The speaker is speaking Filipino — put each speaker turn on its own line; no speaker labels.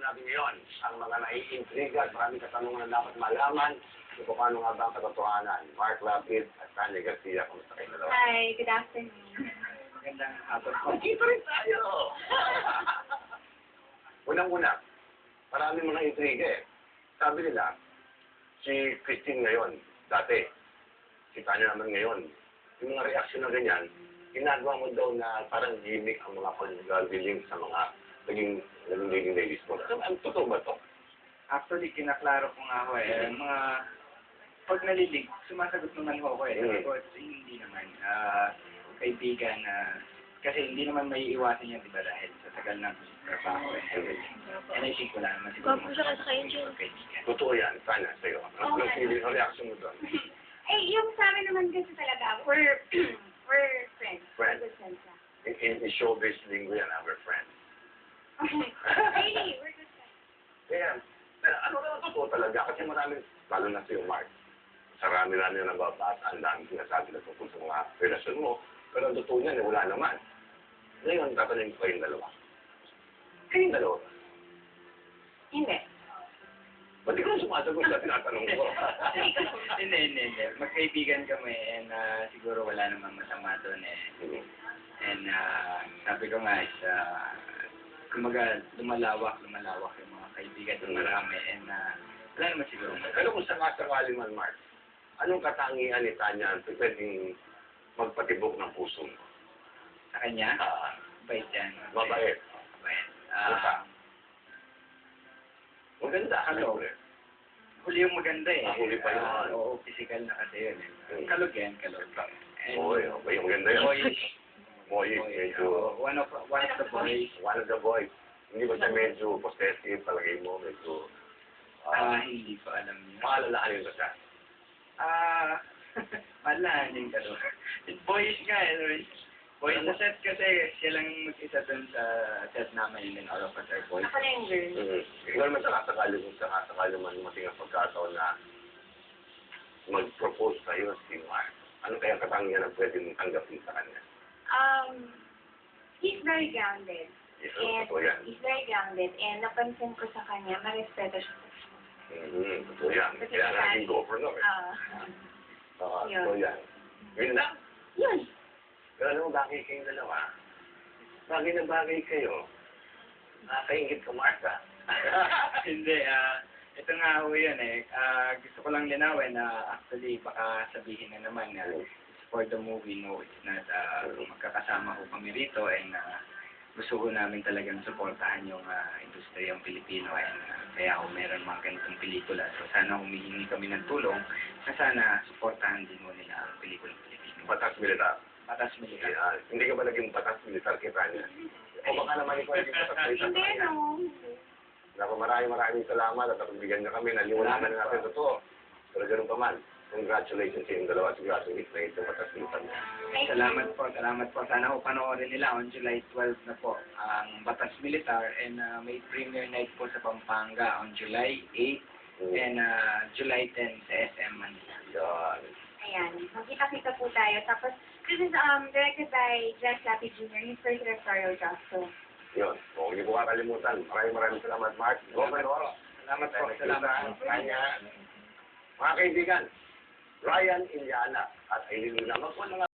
natin ngayon ang mga naiintriga at maraming katanungan na dapat malaman kung paano nga ba ang katotohanan. Mark Lapid at Tanya Garcia, kumusta kayo dalawa?
Hi, good afternoon.
Magandang hapon po.
Magkita rin tayo! Unang-una, maraming mga intriga eh. Sabi nila, si Christine ngayon, dati, si Tanya naman ngayon, yung mga reaksyon na ganyan, ginagawa mo daw na parang gimmick ang mga pag-dealing sa mga naging leading ladies mo. Ano, totoo ba to?
Actually, kinaklaro ko nga ako eh. Mga pag nalilig, sumasagot naman ako eh. Sabi ko, hindi naman. Kaibigan kasi hindi naman may iwasan yan, diba? Dahil sa tagal ng trabaho eh. And I think wala naman siguro.
Kung sa kayo dyan.
Kaibigan.
Totoo yan, Tanya, sa'yo. Anong feeling, ang reaction mo doon?
Eh, yung sa amin naman kasi talaga, we're friends.
Friends.
We're good friends lang.
In showbiz linggo yan, we're friends.
Really, we're good friends.
Kaya, ano na totoo talaga? Kasi maraming, lalo na sa'yo, Mark, sarami-rami na nababasa, ang daming sinasabi na tungkol sa mga relasyon mo, pero ang totoo niyan, wala naman. Ngayon, tatanungin ko kayong dalawa. Kayong dalawa?
Hindi.
Ba't ikaw sumasagot sa tinatanong ko?
Hindi. Magkaibigan kami and siguro wala namang masama doon eh. And sabi ko nga is, kumaga lumalawak yung mga kaibigan ng marami and wala naman siguro.
Pero kung sakasakali man, Mark, anong katangian ni Tanya ang pwedeng magpatibok ng puso mo?
Sa kanya, bait yan.
Mabait.
Bait.
Maganda.
Ano? Huli yung maganda eh.
Huli pa yun.
Oo, physical na kasi yun eh. Kalog yan, kalog.
Oy, yung maganda yun.
Boyish.
Boyish, medyo.
One of the boys.
One of the boys. Hindi ba siya medyo possessive, palagay mo, medyo...
Hindi ko alam yun.
Maalalahanin ba siya?
Malahanin ka doon. Boyish nga eh. Boy, sa set kasi siya lang mag-isa doon sa set namin and all of us are boys.
Ako na yung girl.
Ikaw naman sakasakali man mating ang pagkataon na mag-propose sa'yo si Mark. Ano kaya katangian na pwede mong tanggapin sa kanya?
He's very grounded. He's very grounded. And napansin ko sa kanya, marespeto siya.
Totoo yan. Kaya nga naging governor eh. Totoo yan. Yun lang.
Yun.
Pero alam mo, bagay kayong dalawa. Bagay na bagay kayo. Nakakaingit ka, Martha.
Hindi, ito nga ho yun eh. Gusto ko lang linawin na actually baka sabihin na naman na for the movie, no, it's not, magkakasama ko kami rito and gusto ko namin talagang supportahan yung industriyang Pilipino and kaya ako meron mga ganitong pelikula. So sana humihingi kami ng tulong na sana supportahan din mo nila ang pelikulang Pilipino.
Batas militar.
Batas militar.
Hindi ka ba naging batas militar kita niya? O baka naman ikaw naging batas militar
Hindi,
kanya?
no.
Naku, maraming salamat at napagbigyan niyo kami. Naliwanagan na natin totoo. Pero ganun pa man, congratulations sa inyong dalawa. Sigurado hit na itong batas militar niya.
Salamat po. Sana po panoorin nila on July 12 na po ang Batas Militar and may premiere night po sa Pampanga on July 8 and July 10 sa SM Manila.
Yan.
Ayan. Magkita-kita po tayo. Tapos, this is directed by Jack Lapi Jr. His first directorial job. So,
Yun. O, hindi ko kakalimutan. Maraming salamat, Mark. Governor.
Salamat po. Salamat.
Kanya. Mga kaibigan, Ryan Iliana at Aileen Luna. Magpo na nga.